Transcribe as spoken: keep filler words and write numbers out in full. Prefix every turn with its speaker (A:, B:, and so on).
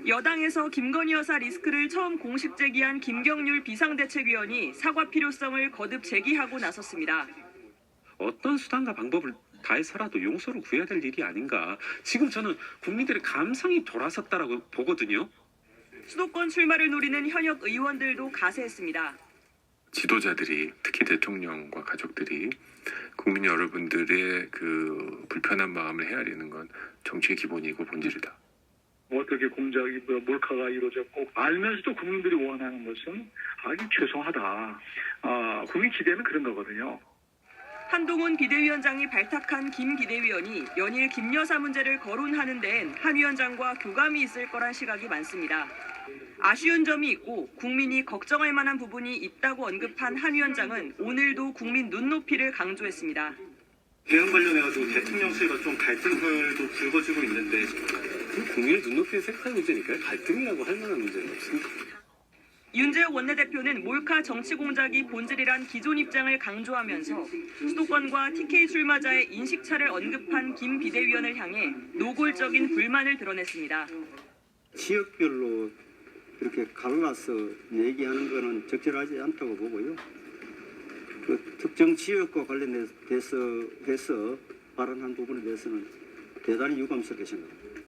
A: 여당에서 김건희 여사 리스크를 처음 공식 제기한 김경률 비상대책위원이 사과 필요성을 거듭 제기하고 나섰습니다.
B: 어떤 수단과 방법을 다해서라도 용서를 구해야 될 일이 아닌가. 지금 저는 국민들의 감성이 돌아섰다라고 보거든요.
A: 수도권 출마를 노리는 현역 의원들도 가세했습니다.
C: 지도자들이, 특히 대통령과 가족들이 국민 여러분들의 그 불편한 마음을 헤아리는 건 정치의 기본이고 본질이다.
D: 어떻게 공작이 몰카가 이루어졌고 알면서도 국민들이 원하는 것은 아주 죄송하다. 아, 국민 기대는 그런 거거든요.
A: 한동훈 비대위원장이 발탁한 김 비대위원이 연일 김 여사 문제를 거론하는 데엔 한 위원장과 교감이 있을 거란 시각이 많습니다. 아쉬운 점이 있고 국민이 걱정할 만한 부분이 있다고 언급한 한 위원장은 오늘도 국민 눈높이를 강조했습니다.
E: 대응 관련해가지고 대통령실과 좀 갈등들도 불거지고 있는데
B: 국민의 눈높이에 생각하는 문제니까요. 갈등이라고 할 만한 문제는 없습니다.
A: 윤재욱 원내대표는 몰카 정치 공작이 본질이란 기존 입장을 강조하면서 수도권과 티케이 출마자의 인식차를 언급한 김 비대위원을 향해 노골적인 불만을 드러냈습니다.
F: 지역별로 이렇게 갈라서 얘기하는 것은 적절하지 않다고 보고요. 그 특정 지역과 관련돼서 해서 발언한 부분에 대해서는 대단히 유감스럽게 생각합니다.